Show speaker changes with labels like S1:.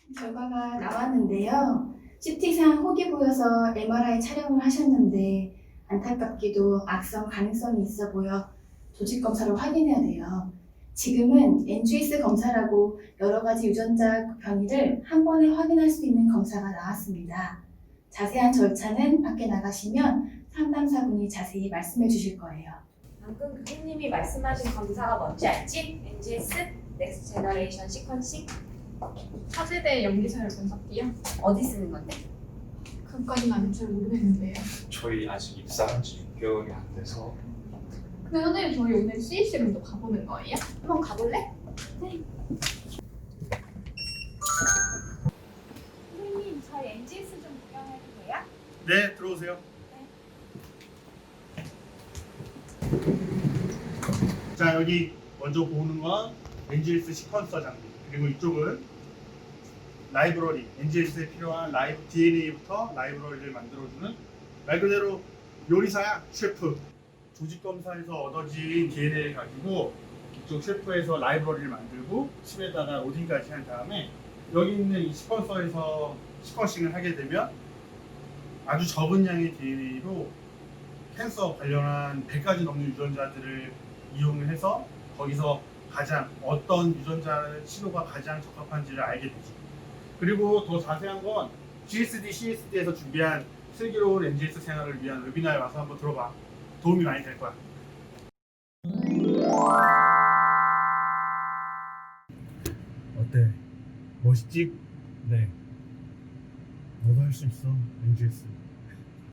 S1: 결과가 나왔는데요. CT상 혹이 보여서 MRI 촬영을 하셨는데 안타깝게도 악성 가능성이 있어 보여 조직 검사로 확인해야 돼요. 지금은 NGS 검사라고 여러 가지 유전자 변이를 한 번에 확인할 수 있는 검사가 나왔습니다. 자세한 절차는 밖에 나가시면 상담사분이 자세히 말씀해 주실 거예요.
S2: 방금 교수님이 말씀하신 검사가 뭔지 알지? NGS? 넥스트 제너레이션 시퀀싱?
S3: 차세대 염기서열 분석기요?
S2: 어디 쓰는 건데?
S3: 그것까지는 아직 잘 모르겠는데요.
S4: 저희 아직 입사한 지 6개월이 안 돼서.
S3: 근데 선생님 저희 오늘 CEC로 가보는 거예요?
S2: 한번 가볼래? 선생님 저희 NGS 좀 구경해도 돼요?
S5: 네, 들어오세요. 자, 여기 먼저 보는 건 NGS 시퀀서 장비, 그리고 이쪽은 라이브러리, NGS에 필요한 DNA부터 라이브러리를 만들어주는 말 그대로 요리사야, 셰프. 조직검사에서 얻어진 DNA를 가지고 이쪽 셰프에서 라이브러리를 만들고 칩에다가 로딩까지 한 다음에 여기 있는 이 시퀀서에서 시퀀싱을 하게 되면 아주 적은 양의 DNA로 캔서 관련한 100가지 넘는 유전자들을 이용을 해서 거기서 가장 어떤 유전자 신호가 가장 적합한지를 알게 되죠. 그리고 더 자세한 건 GSD, CSD에서 준비한 슬기로운 NGS 생활을 위한 웨비나에 와서 한번 들어봐. 도움이 많이 될 거야. 어때? 멋있지? 네. 너도 할 수 있어, NGS.